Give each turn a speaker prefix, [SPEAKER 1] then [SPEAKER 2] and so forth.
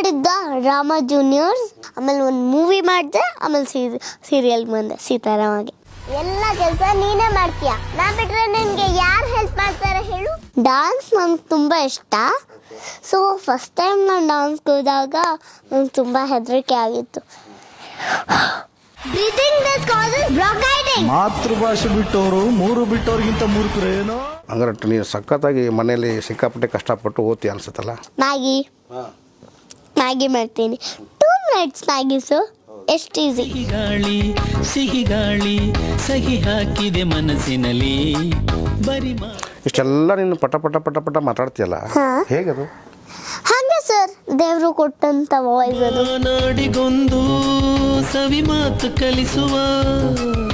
[SPEAKER 1] ಮಾಡಿದ್ದ drama juniors, ಆಮೇಲೆ ಒಂದು ಮೂವಿ ಮಾಡಿದೆ, ಆಮೇಲೆ ಸೀರಿಯಲ್ ಬಂದೆ ಸೀತಾರಾಮಗೆ. ಎಲ್ಲ ಕೆಲಸ ನೀನೇ ಮಾಡ್ತೀಯ, ನಾ ಬಿಟ್ರೆ ನಿನಗೆ ಯಾರು ಹೆಲ್ಪ್ ಮಾಡ್ತಾರೆ ಹೇಳು? ಡಾನ್ಸ್ ನನಗೆ ತುಂಬ ಇಷ್ಟ. ಸೊ ಫಸ್ಟ್ ಟೈಮ್ ನಾನು ಡಾನ್ಸ್ಗೆ ಹೋದಾಗ ನನಗೆ ತುಂಬ ಹೆದರಿಕೆ ಆಗಿತ್ತು.
[SPEAKER 2] ಮಾತೃಭಾಷೆ ಬಿಟ್ಟವರು ಮೂರು ಬಿಟ್ಟವ್ರಿಗಿಂತ ಮೂರ್ಖರೇನೋ.
[SPEAKER 3] ಹಂಗಾರೆ ನೀನು ಸಖತ್ತಾಗಿ ಮನೇಲಿ ಸಿಕ್ಕಾಪಟ್ಟೆ ಕಷ್ಟಪಟ್ಟು ಓದ್ತಿ ಅನ್ಸುತ್ತಲ್ಲ.
[SPEAKER 1] ಮ್ಯಾಗಿ ಮಾಡ್ತೀನಿ. 2 minutes ಮ್ಯಾಗಿಸು ಎಷ್ಟು ಈಸಿ.
[SPEAKER 4] ಸಿಹಿ ಗಾಳಿ ಸಹಿ ಹಾಕಿದೆ ಮನಸ್ಸಿನಲ್ಲಿ ಬರಿ
[SPEAKER 3] ಇಷ್ಟೆಲ್ಲ ನೀನು ಪಟ ಪಟ ಪಟ ಪಟ ಮಾತಾಡ್ತೀಯಲ್ಲ, ಹೇಗದು?
[SPEAKER 1] ಹಾಗೆ ಸರ್, ದೇವರು ಕೊಟ್ಟಂತ ವಾಯ್ಸ್ ಅದು.
[SPEAKER 4] ನಾಡಿಗೊಂದು ಸವಿ ಮಾತು ಕಲಿಸುವ